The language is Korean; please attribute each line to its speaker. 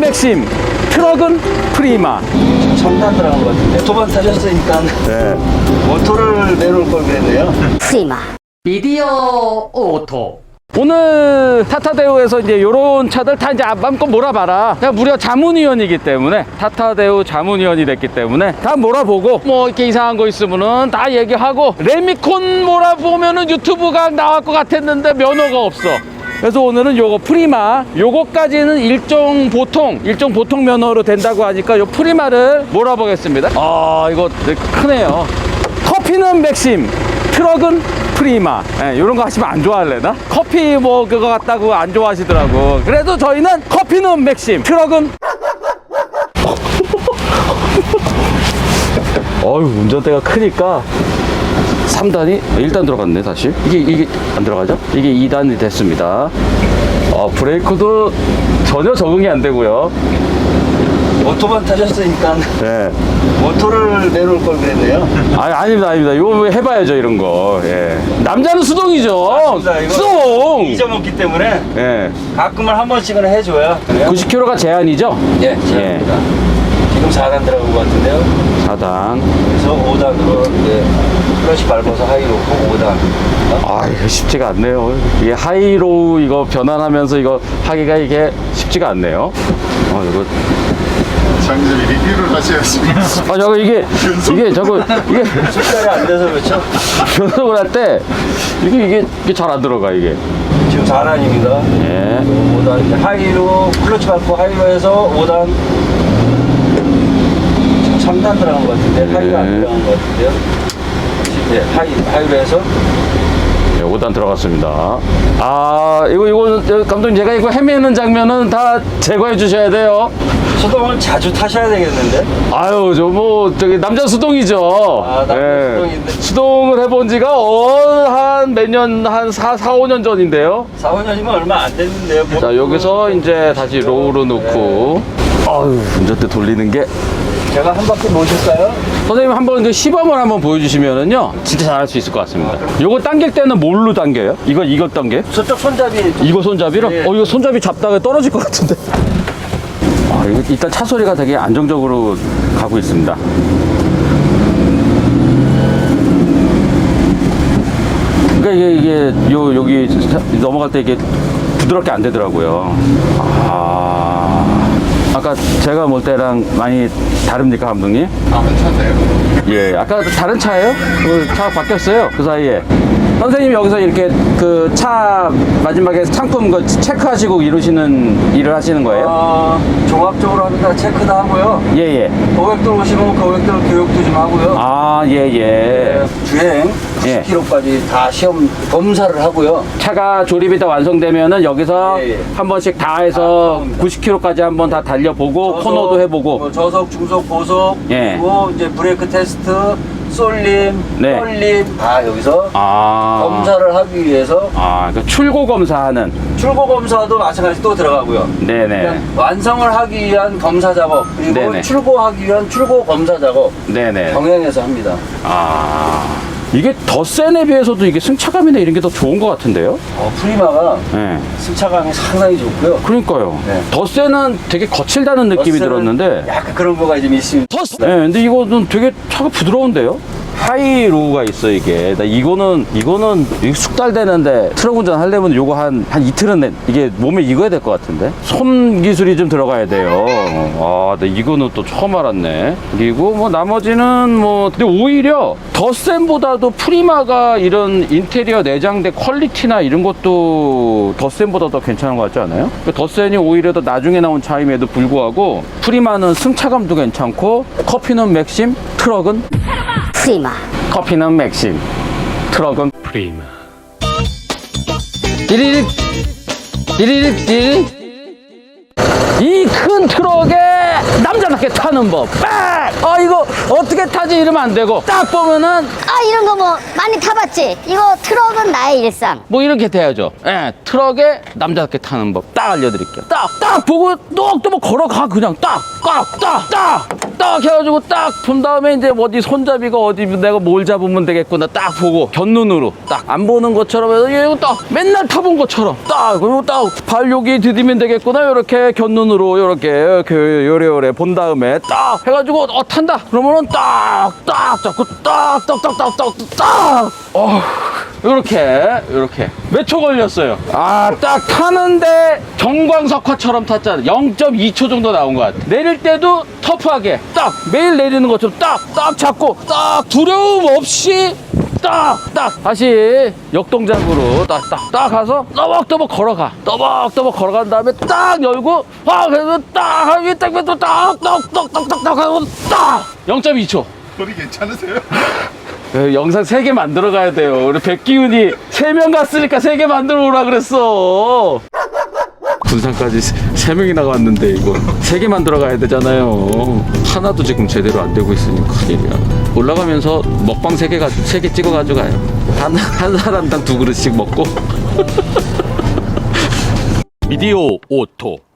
Speaker 1: 맥심, 트럭은 프리마.
Speaker 2: 첨단 들어간 것 같은데 두 번 타셨으니까
Speaker 1: 네.
Speaker 2: 모토를 내놓을 걸 그랬네요.
Speaker 3: 프리마.
Speaker 1: 미디어 오토. 오늘 타타데우에서 이제 이런 차들 다 이제 마음껏 몰아봐라. 그냥 무려 자문위원이기 때문에, 타타데우 자문위원이 됐기 때문에 다 몰아보고, 뭐 이렇게 이상한 거 있으면은 다 얘기하고, 레미콘 몰아보면은 유튜브가 나올 것 같았는데 면허가 없어. 그래서 오늘은 요거 프리마, 요거까지는 일종 보통 면허로 된다고 하니까 요 프리마를 몰아보겠습니다. 아, 이거 되게 크네요. 커피는 맥심, 트럭은 프리마. 예, 이런 거 하시면 안 좋아할래나? 커피 뭐 그거 같다고 안 좋아하시더라고. 그래도 저희는 커피는 맥심, 트럭은 어휴, 운전대가 크니까 3단이 1단 들어갔네. 다시 이게 안 들어가죠? 이게 2단이 됐습니다. 브레이크도 전혀 적응이 안 되고요.
Speaker 2: 모토만 타셨으니까
Speaker 1: 예.
Speaker 2: 모토를 내놓을 걸 그랬네요.
Speaker 1: 아닙니다. 이거 해봐야죠, 이런 거. 예. 남자는 수동이죠.
Speaker 2: 맞습니다. 이거
Speaker 1: 수동.
Speaker 2: 잊어먹기 때문에
Speaker 1: 예.
Speaker 2: 가끔은 한 번씩은 해줘야.
Speaker 1: 90km가 제한이죠?
Speaker 2: 예, 제입니다. 지금 4단 들어간 것 같은데요.
Speaker 1: 4단.
Speaker 2: 그래서 5단으로 이제 클러치 밟아서 하이 놓고 5단.
Speaker 1: 아, 이거 쉽지가 않네요. 이게 하이로우 이거 변환하면서 이거 하기가 이게 쉽지가 않네요. 이거.
Speaker 4: 장님이 리뷰를 하셔야지.
Speaker 1: 저거 이게
Speaker 2: 숫자리 안 돼서 그렇죠.
Speaker 1: 변속을 할 때 이게 잘 안 들어가, 이게.
Speaker 2: 지금 4단입니다.
Speaker 1: 예.
Speaker 2: 5단 이제 하이로 클러치 밟고 하이로 해서 5단. 지금 3단 들어간 것 같은데 하이가 안 들어간 것 같은데요. 네, 하이로 해서
Speaker 1: 네, 5단 들어갔습니다. 이거 감독님, 제가 이거 헤매는 장면은 다 제거해 주셔야 돼요.
Speaker 2: 수동을 자주 타셔야 되겠는데.
Speaker 1: 아유, 저기 남자 수동이죠.
Speaker 2: 남자 수동인데.
Speaker 1: 수동을 해본 지가 한 몇 년, 한 4, 5년 전인데요.
Speaker 2: 4, 5년이면 얼마 안 됐는데요.
Speaker 1: 자, 여기서 이제 다시 로우로 놓고. 아유, 운전대 돌리는 게.
Speaker 2: 제가 한 바퀴 모실까요?
Speaker 1: 선생님, 한번 그 시범을 한번 보여주시면은요, 진짜 잘할 수 있을 것 같습니다. 요거 당길 때는 뭘로 당겨요? 이거 당겨?
Speaker 2: 저쪽 손잡이.
Speaker 1: 이거 손잡이로?
Speaker 2: 네.
Speaker 1: 이거 손잡이 잡다가 떨어질 것 같은데. 이거 일단 차 소리가 되게 안정적으로 가고 있습니다. 그러니까 이게 여기 넘어갈 때 이게 부드럽게 안 되더라고요. 아까 제가 볼 때랑 많이 다릅니까, 감독님?
Speaker 4: 괜찮네요.
Speaker 1: 예, 아까 다른 차예요? 차가 바뀌었어요, 그 사이에. 선생님 여기서 이렇게 그 차 마지막에 상품 그 체크하시고 이러시는 일을 하시는 거예요?
Speaker 2: 종합적으로 합니다. 체크도 하고요.
Speaker 1: 예.
Speaker 2: 고객들 오시면 고객들 교육도 좀 하고요.
Speaker 1: 예.
Speaker 2: 주행
Speaker 1: 예.
Speaker 2: 10km까지 다 시험 검사를 하고요.
Speaker 1: 차가 조립이 다 완성되면은 여기서
Speaker 2: 예.
Speaker 1: 한 번씩 다 해서 90km까지 한번 다 달려보고 코너도 해보고.
Speaker 2: 뭐 저속, 중속, 고속,
Speaker 1: 예.
Speaker 2: 그리고 이제 브레이크 테스트, 쏠림,
Speaker 1: 네.
Speaker 2: 떨림 다 여기서 검사를 하기 위해서
Speaker 1: 그 출고 검사하는.
Speaker 2: 출고 검사도 마찬가지 또 들어가고요.
Speaker 1: 네네.
Speaker 2: 그러니까 완성을 하기 위한 검사 작업 그리고
Speaker 1: 네네.
Speaker 2: 출고하기 위한 출고 검사 작업
Speaker 1: 네네.
Speaker 2: 병행해서 합니다.
Speaker 1: 이게 덧센에 비해서도 이게 승차감이나 이런 게 더 좋은 것 같은데요?
Speaker 2: 프리마가
Speaker 1: 네.
Speaker 2: 승차감이 상당히 좋고요.
Speaker 1: 그러니까요.
Speaker 2: 네.
Speaker 1: 덧센은 되게 거칠다는 느낌이
Speaker 2: 버스는
Speaker 1: 들었는데.
Speaker 2: 약간 그런 거가 좀 있습니다.
Speaker 1: 네, 근데 이거는 되게 차가 부드러운데요? 하이로우가 있어, 이게. 이거는 이게 숙달되는데 트럭 운전 하려면 요거 한 이틀은 이게 몸에 익어야 될 것 같은데? 손 기술이 좀 들어가야 돼요. 근데 이거는 또 처음 알았네. 그리고 뭐 나머지는 근데 오히려 덧센보다도 프리마가 이런 인테리어 내장재 퀄리티나 이런 것도 덧센보다 더 괜찮은 것 같지 않아요? 덧센이 오히려 더 나중에 나온 차임에도 불구하고 프리마는 승차감도 괜찮고 커피는 맥심, 트럭은
Speaker 3: 프리마.
Speaker 1: 커피는 맥심, 트럭은 프리마. 띠리릭. 이 큰 트럭에 남자답게 타는 법. 이거 어떻게 타지 이러면 안 되고 딱 보면은
Speaker 3: 이런 거 뭐 많이 타봤지? 이거 트럭은 나의 일상.
Speaker 1: 뭐 이렇게 돼야죠. 예, 트럭에 남자답게 타는 법 딱 알려드릴게요. 딱 보고 또 뭐 걸어가 그냥 딱. 딱 해가지고 딱 본 다음에 이제 어디 손잡이가 어디 내가 뭘 잡으면 되겠구나 딱 보고 견눈으로 딱 안 보는 것처럼 해서 이거 딱 맨날 타본 것처럼 딱 그리고 딱 발 여기 디디면 되겠구나 이렇게 견눈으로 이렇게 요래요래 본 다음에 딱 해가지고 탄다 그러면은 딱딱 잡고 딱딱딱딱딱딱 요렇게 몇 초 걸렸어요? 딱 타는데 경광석화처럼 탔잖아. 0.2초 정도 나온 것 같아. 내릴 때도 터프하게 딱 매일 내리는 것처럼 딱 잡고 딱 두려움 없이 딱 다시 역동작으로 딱 가서 떠벅떠벅 걸어간 다음에 딱 열고 그래서 딱 하기 딱 하고 딱 0.2초.
Speaker 4: 소리 괜찮으세요?
Speaker 1: 영상 3개 만들어 가야 돼요. 우리 백기훈이 3명 갔으니까 3개 만들어 오라 그랬어. 군산까지 3명이나 갔는데 이거 3개 만들어 가야 되잖아요. 하나도 지금 제대로 안 되고 있으니 큰일이야. 올라가면서 먹방 3개 찍어 가지고 가요. 한 사람당 2그릇씩 먹고. 미디어 오토